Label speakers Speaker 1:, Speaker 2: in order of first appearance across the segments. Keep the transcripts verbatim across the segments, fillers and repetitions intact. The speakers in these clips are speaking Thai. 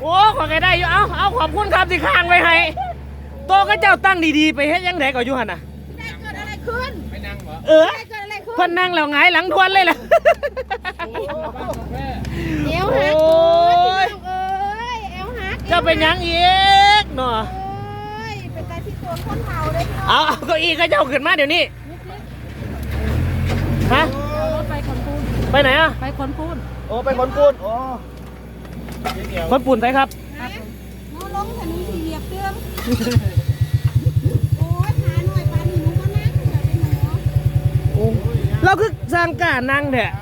Speaker 1: โอ้ขอแกได้อยู่เอาเอาขอบคุณครับที่ข้างไว้ให้โตก็เจ้าตั้งดีๆไปเฮ็ดยังไงก็อยู่หั่นน่ะ
Speaker 2: ได้เกิดอะไรขึ้น
Speaker 1: ไปนั่งเหรอเออ
Speaker 2: ได้เกิดอะไรขึ้น
Speaker 1: เพิ่นนั่งแล้วหงายหลังทวนเลยล่ะ
Speaker 2: เอวหักโอ้ยเอ้ยเอวหัก
Speaker 1: เจ้าเป็นยังอีกเนาะ
Speaker 2: เอ้ยเป็นการที่ตัวคนเฒ่าเลย
Speaker 1: เอาเอาเก้าอี้ก็เจ้าขึ้นมาเดี๋ยวนี้ฮะ
Speaker 2: รถไปขนปูน
Speaker 1: ไปไหนอ่ะ
Speaker 2: ไปขนปูน
Speaker 1: โอ้ไปขนปูนโอ้ขนปูนใช่ครับ
Speaker 2: น้องลงถนนสี่เหลี่ยมเตืองโอ้ยขาหน่อยปลาหนูก็นั่งเดี๋ยวเป็นหนู
Speaker 1: โอ้เราคือสร้างการนั่งแท้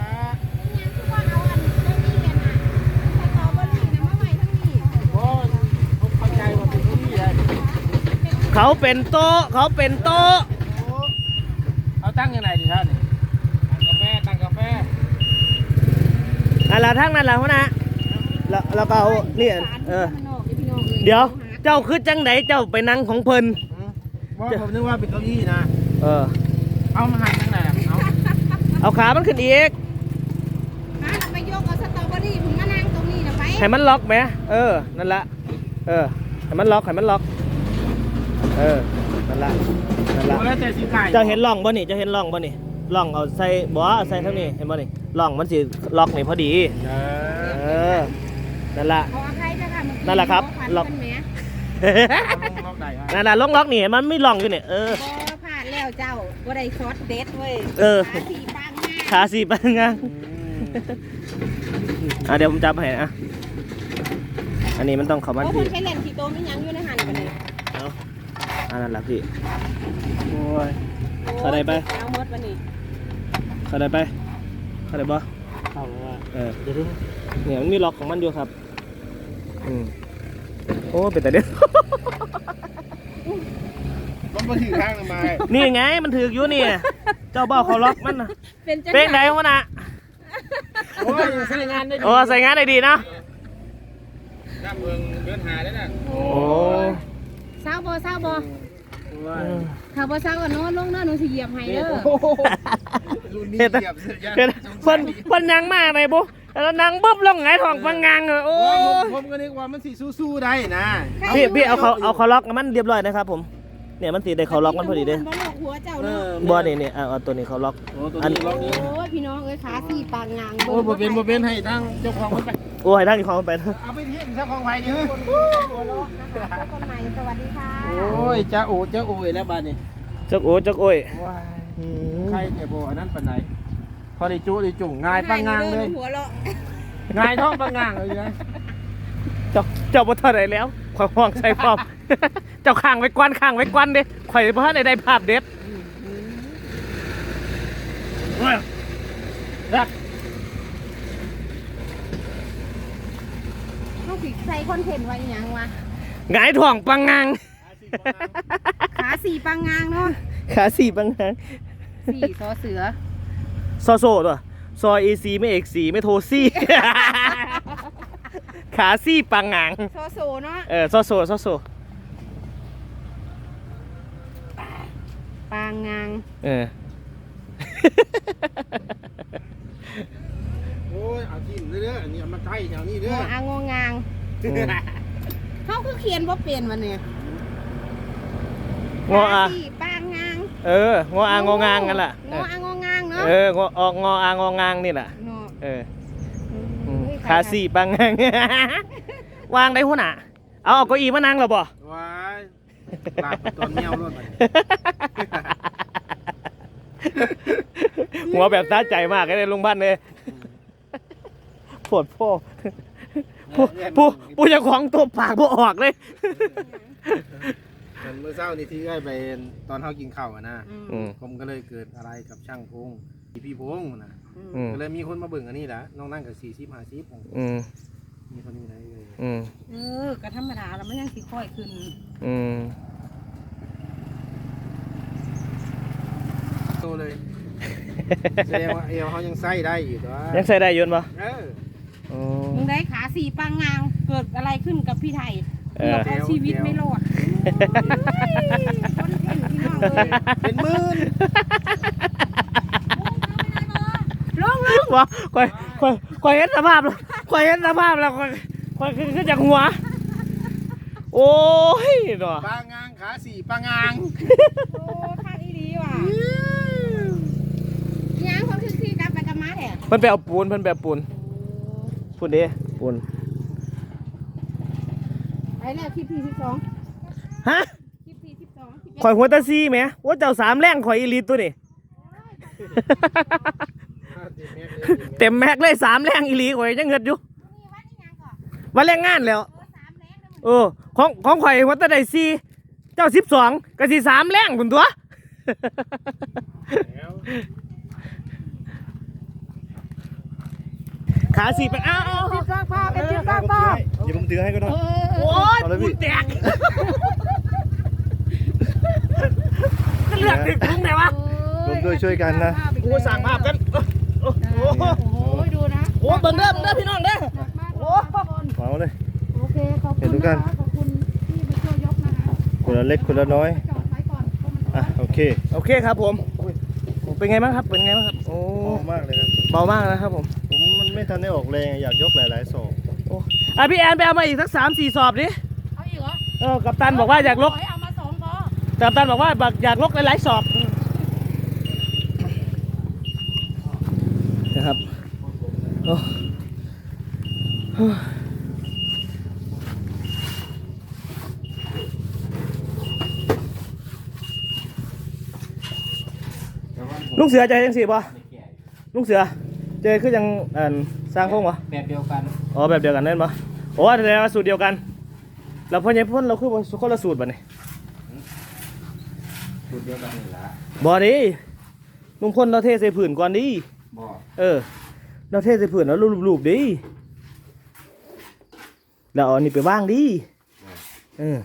Speaker 1: เขาเป็นโต๊ะเขาเป็นโต๊ะ
Speaker 3: เขาตั้งยังไงดีท่านตั้งกาแฟตั้งกาแฟ
Speaker 1: อะไรทั้งนั้นแหละพ่อนะแล้วแล้วก็เอาเนี่ยเออเดี๋ยวเจ้าคือจังไหนเจ้าไปนั่งของเพลิน
Speaker 3: ว่าผมนึกว่าเป็นเก้าอี้นะ
Speaker 1: เออ
Speaker 3: เอามาหันตั้งไหนเอา
Speaker 1: เอาขามันขึ้นอีก
Speaker 2: ฮะไปยกเอาสตรอเบอรี่ผมมานั่งตรงนี้นะไป
Speaker 1: ให้มันล็อกไหมเออนั่นละเออให้มันล็อกให้มันล็อกเออนั่นละนั่นละเจ้าเห็นร่องบ่นี่เจ้าเห็นร่องบ่นี่ร่องเอาใส่บ่ใส่เท่านี้เห็นบ่นี่ร่องมันสิล็อกนี่พอดีเออนั่นละนั่นแหละครับล็อกนั่นแหละล็อกล็อกนี่มันไม่ล็อกอยู่เนี่ยเออ
Speaker 2: ผ่านแล้วเจ้าบ่ได้ช็อตเด็ดเว้ย
Speaker 1: เออ
Speaker 2: ขาสี่ปังงา
Speaker 1: ขาสี่ปังงาอ่ะเดี๋ยวผมจับให้อ่ะอันนี้มันต้องเข้ามัน
Speaker 2: พี่ใช้เลนส์สีโตมียังอยู่ในหันกันเลย
Speaker 1: เอาอันนั้นแหละพี่โอ้ยเข้าได้ไป
Speaker 2: เอาหมดวันนี้
Speaker 1: เข้าได้ไปเข้าได้บ่เข้าแล้วเออเดี๋ยวเนี่ยมันมีล็อกของมันอยู่ครับอืมโอ้เป็นแต่เด็ด
Speaker 3: มันมาถือข้างทำไม
Speaker 1: นี่ไงมันถืออยู่นี่เจ้าบ่าวเขาล็อกมันนะเป็นไหนวะน่ะ
Speaker 3: โอ้ยใส่งานได้ดี
Speaker 1: โอ้ใส่งานได้ดีนะ
Speaker 3: น้ำเมืองเดินหาได้น่ะ
Speaker 1: โอ้
Speaker 2: เศร้าบ่เศร้าบ่ถ้าบ่เศร้าก็นอนลงนะหนูสิเหยียบให้เด้อ
Speaker 1: เฮ็ดเฮ็ดเพิ่นเพิ่นยังมากเลยบุ๊แล้วนั่งบึ้บลงไงท้องฟังงางเลยโอ้
Speaker 3: ผมก็นึกว่ามันสิสู้ๆได้นะ
Speaker 1: พี่พี่เอาเขาเอาเขาล็อกมันเรียบร้อยนะครับผมเนี่ยมันตีได้เขาล็อกมันพอดีเด้บ่นี่นี่เอาตัวนี้เขาล็อก
Speaker 3: อันนี้ล็อกนี้
Speaker 2: โอ้ยพี่น้องเอ้ยขาสี่ปางงาง
Speaker 3: โอ้บ่เป็นบ่เป็นให้ทั้งเจ้าของมันไป
Speaker 1: โอ้ให้ทั้งเจ้าของมันไป
Speaker 3: เอาไปเที่ยงเจ้าของไผ่ดิเฮ้ย
Speaker 2: คนใหม่สวัสดีค่ะ
Speaker 3: โอ้ยจ้าโอ้จ้าโอ้ยแล้วบ้านนี้
Speaker 1: จักโอ้จักโอ้ย
Speaker 3: ใครเนี่ยโบอันนั้นปานไหนพอได้จุได้จุ่งง่ายปังงางเลยง่ายท้องปังงางเลยนะ
Speaker 1: เจ้าเจ้าบ่ทันได้แล้วข่อยห่วงใส่พร้อมเจ้าข้างไว้กวนข้างไว้กวนเด้ข่อยบ่ทันได้ได้ภาพเด็ด
Speaker 2: รักเขาสิใส่คอนเทนต์ไว้ยังวะ
Speaker 1: หงายท้องปังงาง
Speaker 2: ขาสี่ปังงางเนาะ
Speaker 1: ขาสี่ปังงาง
Speaker 2: สี่ซอเสือ
Speaker 1: ซอโซ่ตัวซอยเอซีไม่เอกสีไม่โทซี่ขาซี่ปังงาง
Speaker 2: ซอโซเนาะ
Speaker 1: เออซอโซ่ซอโซ่
Speaker 2: ปังงาง
Speaker 1: เออ
Speaker 3: โอ้ยเอาทิ้งเด้ออันนี้มาใช้แถวนี้เด้อ
Speaker 2: อ่างงางเขาคือเขียนว่าเปลี่ยนวันนี้
Speaker 1: งออา
Speaker 2: ปังงาง
Speaker 1: เอองออางองางกันล่ะ
Speaker 2: งออางงางเนาะ
Speaker 1: เอองอออกงออางองางนี่แหละเออขาสี่ปังงางวางได้หัวหน้าเอาเอาเก้าอี้มานั่งหรอบ่
Speaker 3: ว้ายลาบตอนเมียวรถไป
Speaker 1: หัวแบบท้าใจมากเลยลุงบ้านเลยปวดพ่อผู้ผู้ผู้จะของตัวปากผู้ออกเลย
Speaker 3: เมื่อเช้านี้ที่ได้ไปตอนเขากินข้าวนะผมก็เลยเกิดอะไรกับช่างพงพี่พงนะก็เลยมีคนมาเบิ่งอันนี้แหละน้องนั่งกับสี่สิบห้าสิบมีคนนี้ไหนเลย
Speaker 2: เออกระธรรมดาแล้วมันยังสีค่อยขึ้น
Speaker 3: โตเลยแสดงว่าเอวเขายังใส่ได้อยู่ตัว
Speaker 1: ยังใส่ได้ยืนปะ
Speaker 2: มึงได้ขาสี่ปังงางเกิดอะไรขึ้นกับพี่ไทยเกือบเอาชีวิตไม่รอดคนเพ่งพี่น้องเลย
Speaker 3: เป็นหมื่น
Speaker 2: ลงลง
Speaker 1: วะคอยคอยคอยเห็นสภาพแล้วคอยเห็นสภาพแล้วคอยคอยคือคือจากหัวโอ้ยเนาะ
Speaker 3: ปลางางขาสี่ปลางาง
Speaker 2: โอ้ข้างอีดีว่ะยังเขาคือที่กลับไปกับมาแท้
Speaker 1: เพิ่นไปเอาปูนเพิ่นไปเอาปูนปูนเด้ปูน
Speaker 2: ไอ้แล้วคลิปที่สิบสอง
Speaker 1: ฮะ
Speaker 2: คลิปที่สิบสอง
Speaker 1: ข่อยหัวตาซีแหมว่าเจ้าสามแรงข่อยอีหลีตัวนี่ เต็มแม็กเลยสามแรงอีหลีข่อยยังเงิดอยู่วันแรงงานแล้วเออของของข่อยหัวตาได้ซีเจ้าสิบสองก็สิสามแรงพุ่นตัว ขาสี่ไปอ้าว
Speaker 2: จิบสร้างภาพเป็นจิบสร้างภาพ
Speaker 3: เดี๋ยวผมถือให้ก็ได้
Speaker 1: โอ้ยปูนแตกก็เลือกถึงตรงไหนวะ
Speaker 3: รวมด้วยช่วยกันนะ
Speaker 1: กูสั่งภาพกันโอ้โห
Speaker 2: โอ้โหดูนะ
Speaker 1: โอ้เบิ่งเด้อเบิ่งเด้อพี่น้องเด้อ
Speaker 2: โอ้
Speaker 3: เหมาเลย
Speaker 2: โอเคขอบคุณนะคะขอบคุณที่มาช่วยยกนะคะ
Speaker 3: คนละเล็กคนละน้อย
Speaker 2: จอดไว้ก่อนเพราะมัน
Speaker 3: อ่ะโอเค
Speaker 1: โอเคครับผมเป็นไงบ้างครับเป็นไงบ้างครับโอ้
Speaker 3: เหมาะมากเลยครับ
Speaker 1: เบามากนะครับผม
Speaker 3: ผมมันไม่ทันได้ออกแรงอยากยกหลายๆศอก
Speaker 1: โอ้อ่ะพี่แอนไปเอามาอีกสักสามสี่สอบดิ
Speaker 2: เอาอีกเหรอ
Speaker 1: เออกัปตันบอกว่าอยากลก
Speaker 2: เอามาสองพอ
Speaker 1: กัปตันบอกว่าอยากลกหลายๆสอบนะครับโอ้ลุงเสือใจยังสิบ่ลุงเสือเจคือยังอ่าสร้างโค้งวะ
Speaker 4: แบบเดียวกัน
Speaker 1: อ๋อแบบเดียวกันนั่นปะโอ้แต่ว่าสูตรเดียวกันเราพ่อใหญ่พ่นเราคือคนละสูตรป่ะนี่
Speaker 4: สูตรเดียวกันนี่ละ
Speaker 1: บอดีลุงพ่นเราเทใส่ผื่นก่อนดิ
Speaker 4: บ่
Speaker 1: เออเราเทใส่ผื่นแล้วรูปๆดิแล้วเอาอันนี้ไปว่างดิเออ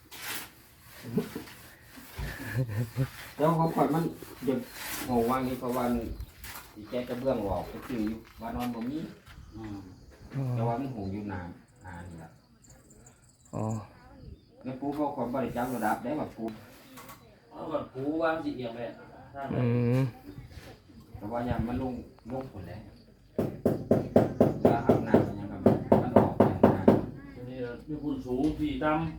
Speaker 4: แล้วของข่อยมันหยุดหัววางนี่เพราะวันที่แกกระเบื้องออกก็คืออยู่ว่านอนบ่มีอืมแต่ว่ามันหงอยู่นานนานนี่ละ
Speaker 1: อ๋อ
Speaker 4: แล้วปูเขาคนบริจาคระดับได้แบบปู
Speaker 5: เอาแบบปูวางสิเอียงไปอ่ะ
Speaker 1: อืม
Speaker 4: แต่ว่ายังมันลงลงผลแล้วว่าเอาหน้ามันยังแบบมันออกอย่างนั้น
Speaker 5: ทีนี้มีคุณสูงพี่ต่ำ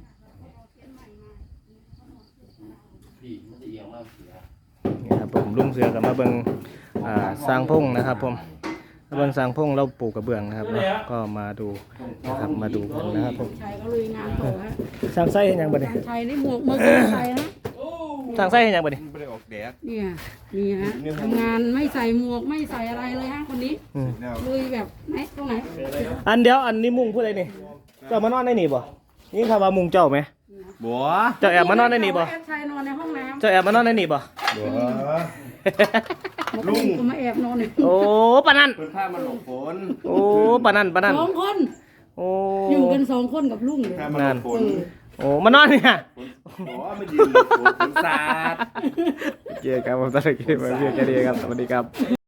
Speaker 5: พี่มันจะเอียงมากเสีย
Speaker 1: นี่ครับผมลุงเสือกับมาเบิ่งอ่าสร้างพงนะครับผมมาเบิ่งสร้างพงเราปลูกกระเบื้องนะครับเนาะก็มาดูนะครับมาดูกันนะครับผม
Speaker 2: ชัยก็ลุยงานต่อฮะ
Speaker 1: สร้างไส้เห็นยังบ่เนี่ย
Speaker 2: ชัยนี่หมวกเมื่อกี้ใส่นะ
Speaker 1: สร้างไส้เห็นยังบ่เนี่ย
Speaker 3: ไม่ได้ออกแดด
Speaker 2: เนี่ยนี่ฮะทำงานไม่ใส่หมวกไม่ใส่อะไรเลยฮะคนนี้
Speaker 1: อืม
Speaker 2: ลุยแบบไหนตรงไหน
Speaker 1: อันเดียวอันนี้มุงพูดอะไรนี่เจ้ามานอนได้นี่บ่นี่คำว่ามุงเจ้าไหม
Speaker 3: บัว
Speaker 1: เจ้าแอบมานอนได้นี่บ่
Speaker 2: แอบชัยนอนในห้องน้
Speaker 1: เจ้าแอบมานอนได้นี่บ่
Speaker 3: บัว
Speaker 2: ำลุงก็มาแอบนอนใน
Speaker 1: โอ้ปานนั่น
Speaker 3: เพิ่นผ้ามันหลบฝน
Speaker 1: โอ้ปานนั่นปานนั่น
Speaker 2: สองคน
Speaker 1: โอ้
Speaker 2: อยู่กันสองคนกับลุงเลย
Speaker 3: ผ้ามันหลบฝน
Speaker 1: โอ้มานอนเนี่ย
Speaker 3: บัวมันยืนหลบฝนฝนสาด
Speaker 1: เจอกันผมตอนนี้มาเรียนกันดีครับสวัสดีครับ